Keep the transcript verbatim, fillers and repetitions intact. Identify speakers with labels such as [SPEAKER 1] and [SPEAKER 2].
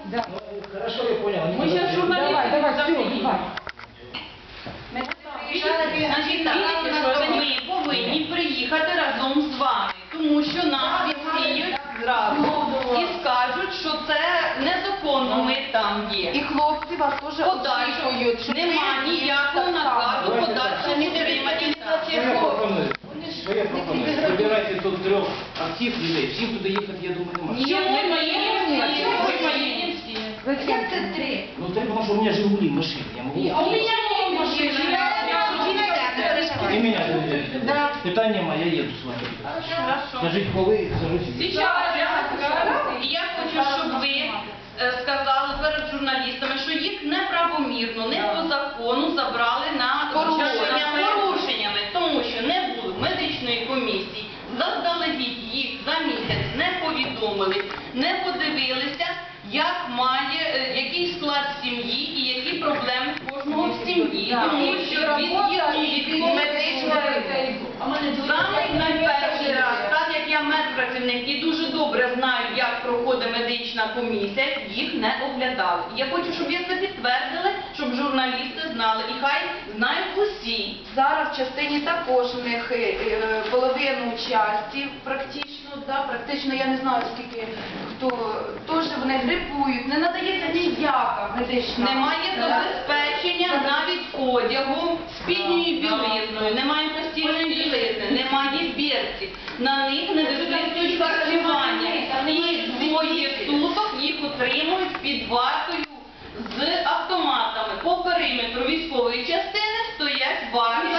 [SPEAKER 1] Да.
[SPEAKER 2] Ну, хорошо, я понял. они
[SPEAKER 3] Мы
[SPEAKER 2] туда
[SPEAKER 3] сейчас
[SPEAKER 2] приедут.
[SPEAKER 3] журналисты.
[SPEAKER 1] Давай, давай, все,
[SPEAKER 3] Запрещено.
[SPEAKER 1] давай.
[SPEAKER 4] Значить, так, ми повинні приїхати разом з вами, тому що нас відсіють зразу і скажуть, що це незаконно ми там є.
[SPEAKER 5] І хлопці вас теж
[SPEAKER 4] Подальшого
[SPEAKER 5] очікують, що
[SPEAKER 4] нема
[SPEAKER 5] ви
[SPEAKER 4] ніякого
[SPEAKER 5] так само.
[SPEAKER 4] наказу подальшого утримання.
[SPEAKER 2] Що я пропоную? Що я пропоную? Вибирайте тут трьох актив людей, всім туди їхати, я думаю, нема.
[SPEAKER 3] Ні, ми поїдемо всі, ми поїдемо всі.
[SPEAKER 1] Зачем?
[SPEAKER 4] три?
[SPEAKER 2] Ну, треба, потому что у меня Жигули, машина, я могу...
[SPEAKER 3] А у меня нет машины, я
[SPEAKER 2] И меня же
[SPEAKER 1] Да.
[SPEAKER 2] питание мое, я еду с вами.
[SPEAKER 4] Хорошо.
[SPEAKER 2] Скажите, полы, сажусь.
[SPEAKER 3] Сейчас,
[SPEAKER 4] І я хочу, щоб ви е, сказали перед журналістами, що їх неправомірно, не по закону забрали на
[SPEAKER 5] Порушеннями.
[SPEAKER 4] на порушеннями, тому що не було медичної комісії, заздалегідь їх за місяць не повідомили, не подивилися, як має, е, який склад сім'ї і які проблеми в кожного в сім'ї. Тому що від їх від медичної саме найперший раз, так як я медпрацівник і дуже добре знаю, як проходить медична комісія, їх не оглядали. І я хочу, щоб ви це підтвердили, щоб журналісти знали, і хай знають усі.
[SPEAKER 5] Зараз в частині також в них е, е, половину часті практично, да, практично я не знаю скільки хто, теж вони грипують, не надається ніяка медична.
[SPEAKER 4] Немає забезпечення навіть одягом, спідньою білизною, немає постільної білизни, немає бірці. На них не виписують харчування. І двоє суток їх утримують під вартою з автоматами. По периметру військової частини стоять варта